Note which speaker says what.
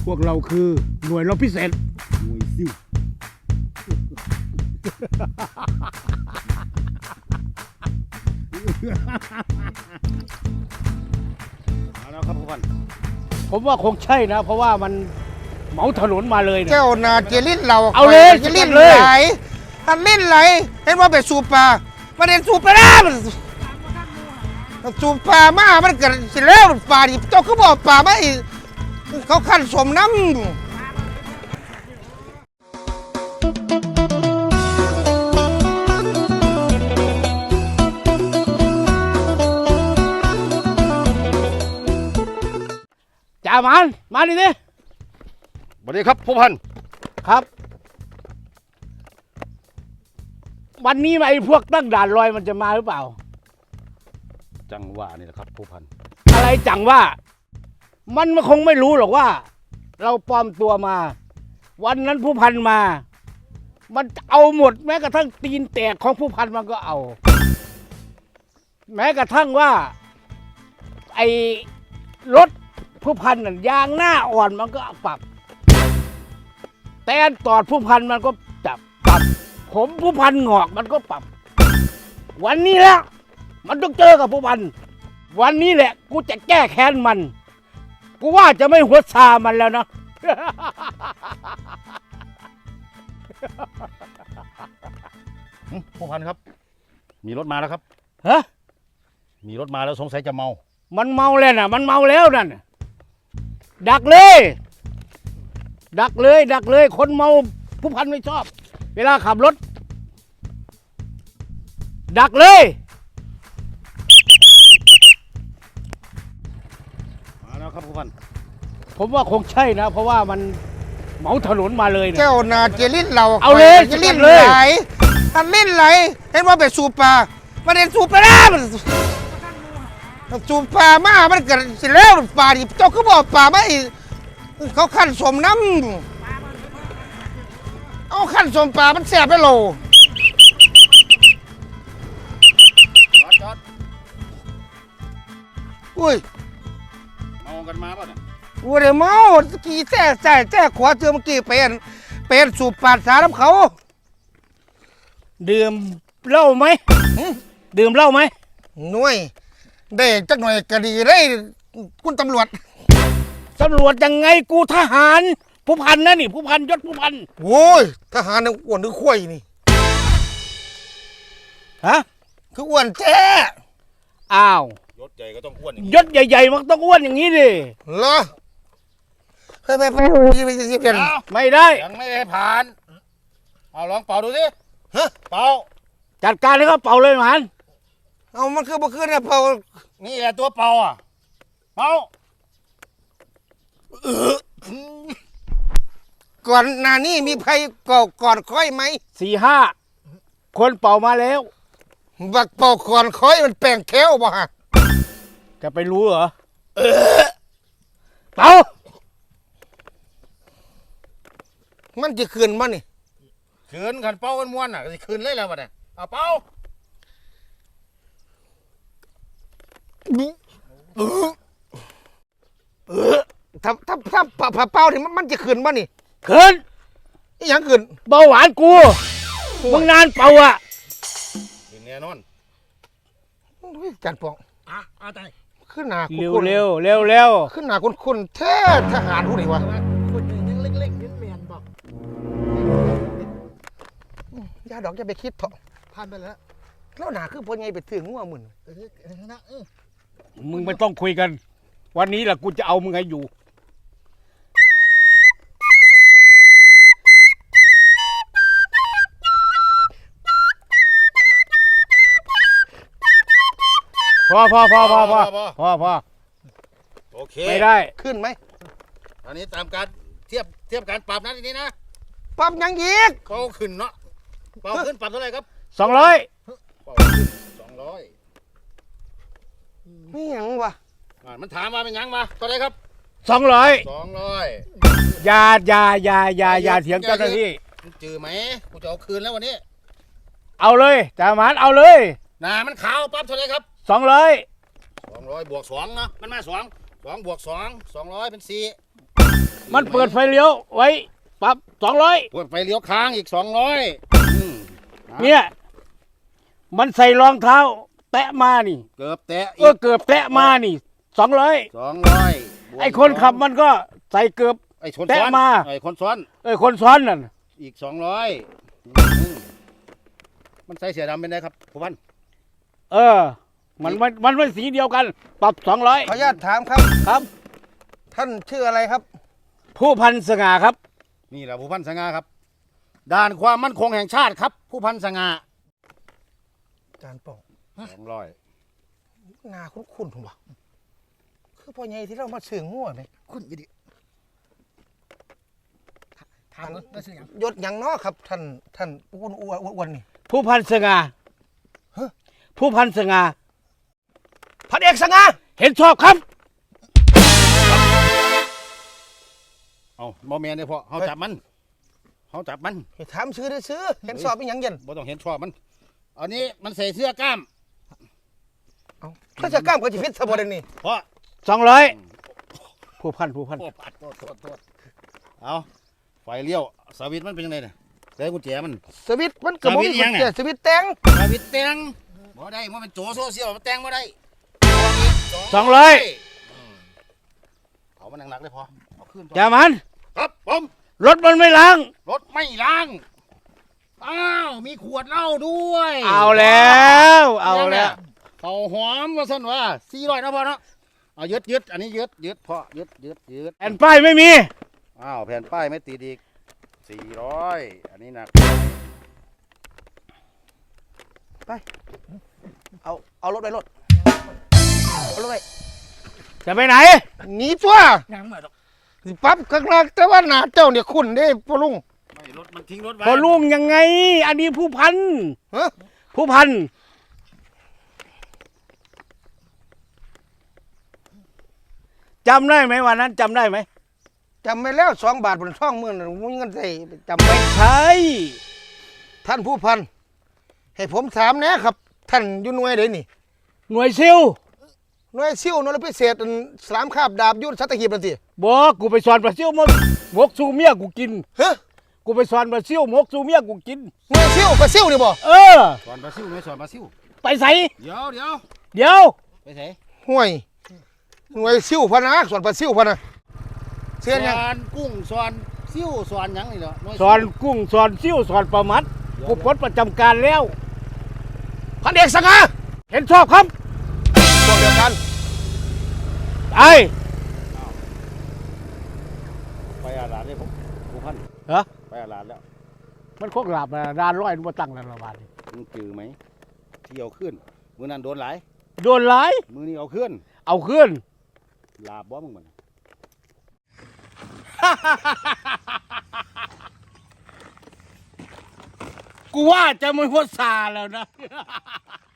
Speaker 1: วกเราคือหน่วยรบพิเศษหน่วยซิ่วเอาแล้วครับผู้พันผมว่าคงใช่นะเพราะว่ามันเหมาถนนมาเลยนะ
Speaker 2: เจ้านาเจลิ้นเรา
Speaker 1: เอาเลย
Speaker 2: จะลิ้น
Speaker 1: เลย
Speaker 2: ไหลท่านลิ้นไหลเห็นว่าไปสูบปลาประเด็นสูบปลาแล้วมันสูบปลามามันเกิดสิแล้วปลาดิเจ้าก็บอกปลาไม่เขาขั้นสมน้ำ
Speaker 1: จ่ามันมาดิสิ
Speaker 3: สวัสดีครับผู้พัน
Speaker 1: ครับ วันนี้ไอ้พวกตั้งด่านลอยมันจะมาหรือเปล่า
Speaker 3: จังหวะนี่แหละครับผู้พัน
Speaker 1: อะไรจังว่ามันคงไม่รู้หรอกว่า เราปลอมตัวมา วันนั้นผู้พันมา มันเอาหมดแม้กระทั่งตีนแตกของผู้พันมันก็เอา แม้กระทั่งว่าไอ้รถผู้พันนั่นยางหน้าอ่อนมันก็ปรับแตนตอดผู้พันมันก็จับปรับผมผู้พันงอกมันก็ปรับ วันนี้แหละมันต้องเจอกับผู้พันวันนี้แหละกูจะแก้แค้นมันกูว่าจะไม่หัวซามันแล้วนะ
Speaker 3: ผู้พันครับ มีรถมาแล้วครับ
Speaker 1: ฮะ
Speaker 3: มีรถมาแล้วสงสัยจะเมา
Speaker 1: มันเมาแล้วน่ะมันเมาแล้วนั่นดักเลย ดักเลยดักเลยคนเมาผู้พันไม่ชอบ เวลาขับรถ ดักเลย
Speaker 3: มาแล้วครับผู้พัน
Speaker 1: ผมว่าคงใช่นะ เพราะว่ามันเหมาถนนมาเลยนะ
Speaker 2: เจ้านาเจลิ้นเรา
Speaker 1: เอาเลย
Speaker 2: จะลิ้น
Speaker 1: เลย
Speaker 2: ไหลท่านลิ้นไหลเห็นว่าไปสูบปลาประเด็นสูบปลาแล้วมันสูบปลามามันเกิดสิแล้วปลาดิเจ้าก็บอกปลาไม่เขาขั้นสมน้ำเอาขั้นสมปลามันแสบไปโล
Speaker 3: จอด
Speaker 2: อุ้ย
Speaker 3: เมากันมาป่ะเนี่ย
Speaker 2: วัวเดี๋ยวเมากี่แท้ขวาเจอเมื่อกี้เป็นสูบปลาสาน้ำเขา
Speaker 1: ดื่มเหล้าไหมดื่มเหล้าไหม
Speaker 2: หน่วยได้จักหน่อยก็ดีได้คุณตำรวจ
Speaker 1: ตำรวจยังไงกูทหารผู้พันนะนี่ผู้พันยศผู้พัน
Speaker 2: โว้ยทหารนี่อ้วนหรือข้วยนี่
Speaker 1: ฮะ
Speaker 2: คืออ้วนแท้
Speaker 1: อ้าวย
Speaker 3: ศใหญ่ก็ต้องอ้วนอย่างนี้
Speaker 1: ยศใหญ่ๆมันต้องอ้วนอย่างนี้ดิ
Speaker 2: เหรอไปเปลี่ยน
Speaker 1: ไม่ได้
Speaker 3: ยังไม่ได้ผ่าน เอาลองเป่าดูสิ
Speaker 2: ฮะ
Speaker 3: เป่า
Speaker 1: จัดการให้เขาเป่าเลยหมัน
Speaker 2: เอามันคือบ่คือเนี่ยเผา
Speaker 3: นี่แหละตัวเป่าอ่ะ เป่า
Speaker 2: ก่อนหน้านี้มีใครก่อนค่อยไหม
Speaker 1: 4-5 คนเป่ามาแล้ว
Speaker 2: บักเป่าก่อนค่อยมันแปลงแค้วบ่ฮะ
Speaker 1: จะไปรู้เหรอเป่า
Speaker 2: มันจะคืนมันนี่
Speaker 3: ขืนขันเป่ากันม้วนอ่ะก็สิขืนเลยแล้วป่ะเนี่ยเอาเป่า
Speaker 2: ถ้าเป่านี่มันจะคืนมันนี่
Speaker 1: เขิน
Speaker 2: อีหยังคืน
Speaker 1: เบาหวานกูมึงนานเป่าอ่ะ
Speaker 3: ขืนแน่นอน
Speaker 2: จันปอง
Speaker 3: เอาใจ
Speaker 2: ขึ้นหน้า
Speaker 1: เร็ว
Speaker 2: คุ้น
Speaker 1: เร็วเร็วเร็ว
Speaker 2: ขึ้นหน้าคุณแท้ทหารผู้นี่วะ
Speaker 3: คนยังเล็กๆเมียนบอก
Speaker 2: อย่าดอกอย่าไปคิดเถอะ
Speaker 3: ผ่านไปแล้ว
Speaker 2: แล้วหน้าคือพนไงไปถึงงัวมึน
Speaker 1: มึงไม่ต้องคุยกัน วันนี้แหละกูจะเอามึงให้อยู่พอ
Speaker 3: โอเค
Speaker 1: ไม่ได้
Speaker 2: ขึ้นไหม
Speaker 3: อันนี้ตามการเทียบการปรับนะทีนี้นะ
Speaker 2: ปรับหยังอีก
Speaker 3: เป่าขึ้นเนาะเป่าขึ้นปรับเท่าไหร่ครับ
Speaker 1: 200
Speaker 3: เป่าขึ้น200
Speaker 2: นี่หยังวะ
Speaker 3: มันถามมาเป็นยังมาเท่าไหร่ครับ
Speaker 1: 200
Speaker 3: 200
Speaker 1: อย่าเถียงเจ้าหน้าที่
Speaker 3: มึงจือไหมกูจะเอาคืนแล้ววันนี้
Speaker 1: เอาเลยจ่าหมานเอาเลย
Speaker 3: มันขาวปั๊บเท่าไหร่ครับ
Speaker 1: 200
Speaker 3: 200 บวก2เนาะมันมา2 2 บวก 2 200 เป็น 4
Speaker 1: มันเปิดไฟเลี้ยวไว้ปรับ200
Speaker 3: เปิดไฟเลี้ยวค้างอีก 200
Speaker 1: เนี่ย มันใส่รองเท้า แตะมานี่
Speaker 3: เกือบแตะ
Speaker 1: เกือบแตะมานี่200
Speaker 3: 200
Speaker 1: ไอ้คนขับมันก็ใส่เกือบ
Speaker 3: ไอ้คน
Speaker 1: แตะ
Speaker 3: ซ้อน
Speaker 1: มา
Speaker 3: ไอ้คนซ้อน
Speaker 1: คนซ้อนนั่น
Speaker 3: อีก 200มันใส่เสียดำเป็นไงครับผู้พัน
Speaker 1: มันเป็นสีเดียวกัน ปรับ200
Speaker 2: ขออนุญาตถามครับ
Speaker 1: ครับ
Speaker 2: ท่านชื่ออะไรครับ
Speaker 1: ผู้พันสง่าครับ
Speaker 3: นี่แหละผู้พันสง่าครับด่านความมั่นคงแห่งชาติครับ ผู้พันสง่า
Speaker 2: จานป่อง
Speaker 3: 200
Speaker 2: หน้าคุ้นๆผมว่าคือพ่อใหญ่ที่เรามาสื่อง่วไหม
Speaker 3: คุณยี่ดิถามว่าชื่อหยัง
Speaker 2: ยศหยังเนาะครับ ท่านอ้วนนี่
Speaker 1: ผู้พันสง่า
Speaker 2: ฮะ
Speaker 1: ผู้พันสง่า
Speaker 2: พันเอกสง่า
Speaker 1: เห็นชอบครับ
Speaker 3: เอาโมเมนต์เลยพ่อเขาจับมัน
Speaker 2: ให้ถามชื่อได้ซื้อเห็นสอบเป็นหยังเย็น
Speaker 3: บ่ต้องเห็นชอบมันอันนี้มันใส่เสื้อกล้าม
Speaker 2: เอาถ้าจะกล้ามก็จะพิษสบายนี่
Speaker 3: เพราะ
Speaker 1: 200ผู้พัน
Speaker 3: โทษเอาไฟเลี้ยวสวิตช์มันเป็นยังไงเนี่ยใส่กุญแจมัน
Speaker 2: สวิตช์มันกระบอก
Speaker 3: สวิตช์ยังไง
Speaker 2: สวิตช์แตง
Speaker 3: สวิตช์แต่งบ่ได้มันเป็นโจโซเชียลมันแต่งบ่ได้
Speaker 1: 200
Speaker 3: เอามันหนักๆเลยพอเอาขึ้น
Speaker 1: อย่ามัน
Speaker 3: ครับผม
Speaker 1: รถมันไม่ล้าง
Speaker 3: รถไม่ล้างอ้าวมีขวดเหล้าด้วย
Speaker 1: เอาแล้ว
Speaker 3: เขาหอมว่าซั่นว่า400นะพ่อเนาะเอายึดอันนี้ยึดพ่อยึด
Speaker 1: แผ่นป้ายไม่มี
Speaker 3: อ้าวแผ่นป้ายไม่ติดอีก400อันนี้หนัก
Speaker 2: เอารถไปรถเอารถไป
Speaker 1: จะไปไหน
Speaker 2: หนีตัว
Speaker 3: ยังไม่ดอก
Speaker 2: สิปั๊บข้างล่างแต่ว่าหน้าเจ้าเนี่ยคุณเด้พ่อลุง
Speaker 3: ไม่รถมันทิ้งรถไว้
Speaker 1: พอลุงยังไง อันนี้ผู้พัน
Speaker 2: ฮะ
Speaker 1: ผู้พัน จำได้ไหมวันนั้นจำได้ไหม
Speaker 2: จำไม่แล้ว2 บาทบนช่องมือน่ะมึงเงินใส่จำไม่
Speaker 1: ใช่
Speaker 2: ท่านผู้พันให้ผมถามแหนะครับ ท่านอยู่หน่วยใดนี่
Speaker 1: หน่วยซิล
Speaker 2: หน่วยซิ่วหน่วยพิเศษอันสามคาบดาบยุทธสัตหีบนั่นสิ
Speaker 1: บอกกูไปสอนปลาซิลมหมกสูเมียกูกิน
Speaker 2: ฮะ
Speaker 1: กูไปสอนปลาซิลหมกสูเมียกูกิน
Speaker 2: หน่วยซิ่วไปซิ่วนี่บ่
Speaker 3: สอนบราซิลไม่สอนบราซิล
Speaker 1: ไปใส่
Speaker 3: เดี๋ยว
Speaker 1: เดี๋ยว
Speaker 3: ไปใส่
Speaker 2: ห่วยหน่วยซิ่วพะนะส่วนปลาซิ่วพะนะเสียนยัง
Speaker 3: สอนกุ้งสอนซิ่วสอนหยังนี่เหรอหวย
Speaker 1: สอนกุ้งสอนซิลสอนปลามัดกูพ้นประจำการแล้ว
Speaker 2: พันเอกสังหา
Speaker 1: เห็นชอบครับ
Speaker 2: พวกเดียวกัน
Speaker 1: ไอ้
Speaker 3: ไปอาลาดเลยผมผู้พัน
Speaker 1: เหรอ
Speaker 3: ไปอาลาดแล้ว
Speaker 1: มันคงหลับนะดานร้อยมาตั้งแล้วละบาทนี่
Speaker 3: มึงจือไหมที่เอาขึ้นมือนั้นโดนหลาย
Speaker 1: โดนหลาย
Speaker 3: มือนี้เอาขึ้น
Speaker 1: เอาขึ้น
Speaker 3: ลาบบ่มึงมัน
Speaker 1: กูว่าจะไม่พ้นซาแล้วนะ